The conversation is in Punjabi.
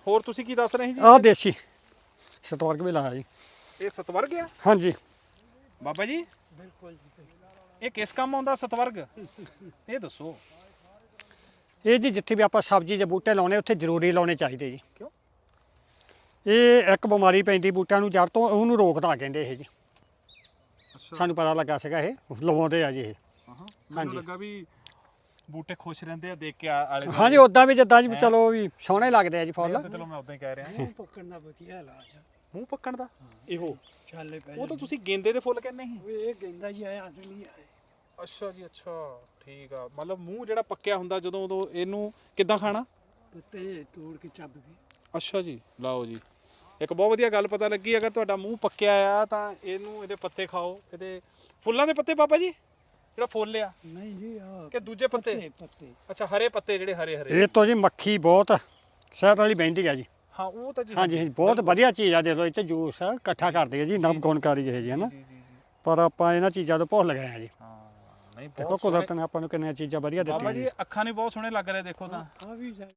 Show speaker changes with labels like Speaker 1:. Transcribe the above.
Speaker 1: ਹੋਰ ਤੁਸੀਂ ਕੀ ਦੱਸ ਰਹੇ ਜੀ?
Speaker 2: ਆਹ ਦੇਸੀ ਸਤਵਰਗ ਵੀ ਲਾਇਆ ਜੀ।
Speaker 1: ਇਹ ਸਤਵਰਗ ਆ
Speaker 2: ਹਾਂਜੀ
Speaker 1: ਬਾਬਾ ਜੀ?
Speaker 3: ਬਿਲਕੁਲ ਜੀ।
Speaker 1: ਇਹ ਕਿਸ ਕੰਮ ਆਉਂਦਾ ਸਤਵਰਗ? ਇਹ ਦੱਸੋ।
Speaker 2: ਇਹ ਜੀ ਜਿੱਥੇ ਵੀ ਆਪਾਂ ਸਬਜ਼ੀ ਦੇ ਬੂਟੇ ਲਾਉਣੇ ਉੱਥੇ ਜ਼ਰੂਰੀ ਲਾਉਣੇ ਚਾਹੀਦੇ ਜੀ।
Speaker 1: ਕਿਉਂ?
Speaker 2: ਇਹ ਇੱਕ ਬਿਮਾਰੀ ਪੈਂਦੀ ਬੂਟਿਆਂ ਨੂੰ ਜੜ ਤੋਂ, ਉਹਨੂੰ ਰੋਕਦਾ ਕਹਿੰਦੇ ਇਹ ਜੀ।
Speaker 1: ਅੱਛਾ।
Speaker 2: ਸਾਨੂੰ ਪਤਾ ਲੱਗਾ ਸੀਗਾ ਇਹ ਲਵਾਉਂਦੇ ਆ ਜੀ ਇਹ।
Speaker 1: ਹਾਂ ਮੈਨੂੰ ਲੱਗਾ ਵੀ ਬੂਟੇ ਖੁਸ਼ ਰਹਿੰਦੇ ਆ ਦੇਖ ਕੇ ਆਲੇ ਦੁਆਲੇ।
Speaker 2: ਹਾਂਜੀ ਉਦਾਂ ਵੀ ਜਿੱਦਾਂ ਜੀ ਚਲੋ ਵੀ ਸੋਹਣੇ ਲੱਗਦੇ ਆ ਜੀ ਫੁੱਲ।
Speaker 1: ਚਲੋ ਮੈਂ ਉਦਾਂ ਹੀ ਕਹਿ ਰਿਹਾ।
Speaker 3: ਮੂੰਹ ਪੱਕਣ ਦਾ ਵਧੀਆ ਇਲਾਜ ਆ।
Speaker 1: ਮੂੰਹ ਪੱਕਣ ਦਾ? ਇਹੋ
Speaker 3: ਚਾਲੇ ਪੈ
Speaker 1: ਉਹ ਤਾਂ ਤੁਸੀਂ ਗੇਂਦੇ ਦੇ ਫੁੱਲ ਕਹਿੰਦੇ ਸੀ।
Speaker 3: ਉਹ ਇਹ ਗੇਂਦਾ ਜੀ ਆਇਆ ਅਸਲੀ ਆ।
Speaker 1: ਅੱਛਾ ਜੀ ਅੱਛਾ ਠੀਕ ਆ। ਮਤਲਬ ਮੂੰਹ ਜਿਹੜਾ ਪੱਕਿਆ ਹੁੰਦਾ ਜਦੋਂ ਉਦੋਂ ਇਹਨੂੰ ਕਿੱਦਾਂ ਖਾਣਾ?
Speaker 3: ਪੱਤੇ ਤੋੜ ਕੇ ਚੱਬ ਕੇ।
Speaker 1: ਅੱਛਾ ਜੀ ਲਓ ਜੀ ਇੱਕ ਬਹੁਤ ਵਧੀਆ ਗੱਲ ਪਤਾ ਲੱਗੀ। ਅਗਰ ਤੁਹਾਡਾ ਮੂੰਹ ਪੱਕਿਆ ਆ ਤਾਂ ਇਹਨੂੰ ਇਹਦੇ ਪੱਤੇ ਖਾਓ। ਇਹਦੇ ਫੁੱਲਾਂ ਦੇ ਪੱਤੇ ਬਾਬਾ ਜੀ ਜਿਹੜਾ ਫੁੱਲ ਆ
Speaker 3: ਨਹੀਂ ਜੀ ਆ
Speaker 1: ਕਿ ਦੂਜੇ ਪੱਤੇ?
Speaker 3: ਪੱਤੇ
Speaker 1: ਅੱਛਾ ਹਰੇ ਪੱਤੇ ਜਿਹੜੇ ਹਰੇ ਹਰੇ।
Speaker 2: ਇਹ ਤੋਂ ਜੀ ਮੱਖੀ ਬਹੁਤ ਸ਼ਹਿਦ ਵਾਲੀ ਬਹਿੰਦੀ ਆ ਜੀ।
Speaker 1: ਹਾਂ ਉਹ ਤਾਂ ਜੀ
Speaker 2: ਹਾਂਜੀ ਹਾਂਜੀ ਬਹੁਤ ਵਧੀਆ ਚੀਜ਼ ਆ। ਦੇ ਲੋ ਇੱਥੇ ਜੂਸ ਇਕੱਠਾ ਕਰਦੇ ਆ ਜੀ ਨਵ ਗੁਣਕਾਰੀ ਇਹ ਜੀ ਹੈ ਨਾ।
Speaker 1: ਜੀ ਜੀ ਜੀ
Speaker 2: ਪਰ ਆਪਾਂ ਇਹਨਾਂ ਚੀਜ਼ਾਂ ਤੋਂ ਭੁੱਲ ਗਏ ਆ ਜੀ।
Speaker 1: ਹਾਂ ਨਹੀਂ
Speaker 2: ਦੇਖੋ
Speaker 1: ਬਹੁਤ
Speaker 2: ਕੁਦਰਤ ਨੇ ਆਪਾਂ ਨੂੰ ਕਿੰਨੀਆਂ ਚੀਜ਼ਾਂ ਵਧੀਆ
Speaker 1: ਬਾਬਾ
Speaker 2: ਦਿੱਤੀਆਂ
Speaker 1: ਜੀ ਅੱਖਾਂ ਨਹੀਂ ਬਹੁਤ ਸੋਹਣੇ ਲੱਗ ਰਹੇ ਦੇਖੋ ਤਾਂ।
Speaker 3: ਆ ਵੀ